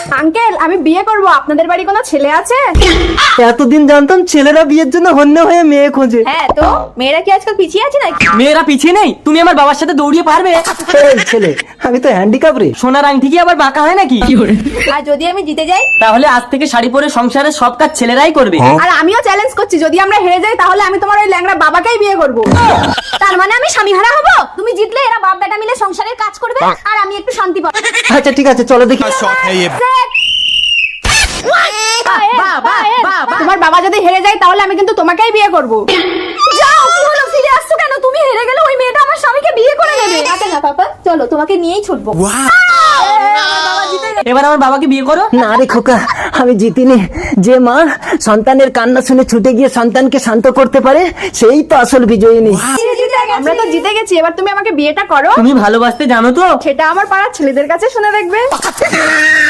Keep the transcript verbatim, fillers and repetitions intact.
Uncle আমি বিয়ে করব, আপনাদের বাড়ি কোনো ছেলে আছে? এতদিন জানতাম ছেলেরা বিয়ের জন্য হন্য হয়ে মেয়ে খোঁজে। হ্যাঁ তো মেয়েরা কি আজকাল পিছিয়ে আছে নাকি? মেয়েরা পিছিয়ে নেই, তুমি আমার বাবার সাথে দৌড়িয়ে পারবে? এই ছেলে, আমি তো হ্যান্ডিক্যাপ রে। সোনার আংটি কি আবার বাঁকা হয় নাকি? আর যদি আমি জিতে যাই? তাহলে আজ থেকে শাড়ি পরে সংসারের সব কাজ ছেলেরাই করবে। আর আমিও চ্যালেঞ্জ করছি, যদি আমরা হেরে যাই তাহলে আমি তোমার ওই ল্যাংড়া বাবাকেই বিয়ে করব। তার মানে আমি স্বামী হারা হব? তুমি জিতলে এরা বাপ বেটা মিলে সংসারের কাজ করবে আর আমি একটু শান্তি পাবো। আচ্ছা ঠিক আছে, চলো দেখি। তোমার বাবা যদি হেরে যায় তাহলে আমি কিন্তু তোমাকেই বিয়ে করব। যাও, কি হলো, ফিরে আসছো কেন? তুমি হেরে গেলে ওই মেয়েটা আমার স্বামীকে বিয়ে করে নেবে। আচ্ছা না পাপা, চলো তোমাকে নিয়েই ছুটবো। এবার আমার বাবাকে বিয়ে করো। না রে খোকা, আমি জিতিনি। যে মা সন্তানের কান্না শুনে ছুটে গিয়ে সন্তানকে শান্ত করতে পারে, সেই তো আসল বিজয়িনী। আমরা তো জিতে গেছি, এবার তুমি আমাকে বিয়েটা করো। তুমি ভালোবাসতে জানো তো? সেটা আমার পাড়ার ছেলেদের কাছে শুনে দেখবে।